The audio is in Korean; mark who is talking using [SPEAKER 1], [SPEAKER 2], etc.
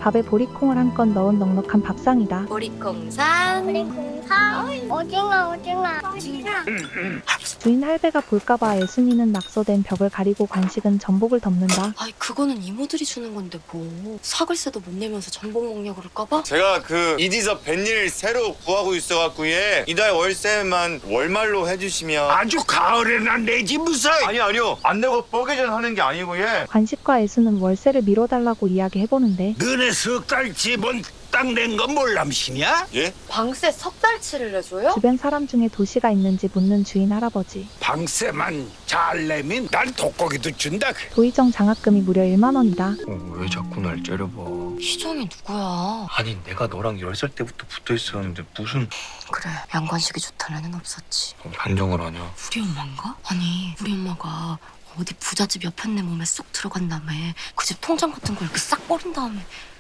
[SPEAKER 1] 밥에 보리콩을 한 건 넣은 넉넉한 밥상이다.
[SPEAKER 2] 보리콩산.
[SPEAKER 3] 오징어.
[SPEAKER 1] 주인 할배가 볼까봐 애순이는 낙서된 벽을 가리고 관식은 전복을 덮는다.
[SPEAKER 2] 아이 그거는 이모들이 주는 건데 뭐 사글세도 못 내면서 전복 먹냐 그럴까봐?
[SPEAKER 4] 제가 그 이디서 뱃일 새로 구하고 있어갖고 예 이달 월세만 월말로 해주시면
[SPEAKER 5] 아주 가을에나 내지 무슨.
[SPEAKER 4] 아니요 안 내고 뻐개전 하는 게 아니고 예
[SPEAKER 1] 관식과 애순은 월세를 미뤄달라고 이야기해보는데
[SPEAKER 5] 너네 석 달치 뭔 땅 낸 거 몰람시냐?
[SPEAKER 4] 예?
[SPEAKER 2] 방세 석 달치를 내줘요?
[SPEAKER 1] 주변 사람 중에 도시가 있는지 묻는 주인 할아버지.
[SPEAKER 5] 방세만 잘 내면 난 독고기도 준다.
[SPEAKER 1] 도의정 장학금이 무려 1만 원이다.
[SPEAKER 6] 왜 자꾸 날 째려봐.
[SPEAKER 2] 희정이 누구야?
[SPEAKER 6] 아니 내가 너랑 10살 때부터 붙어 있었는데 무슨
[SPEAKER 2] 그래 양관식이 좋다는 애는 없었지.
[SPEAKER 6] 반정을 하냐.
[SPEAKER 2] 우리 엄마인가? 아니 우리 엄마가 어디 부잣집 옆에 내 몸에 쏙 들어간 다음에 그 집 통장 같은 걸 이렇게 싹 버린 다음에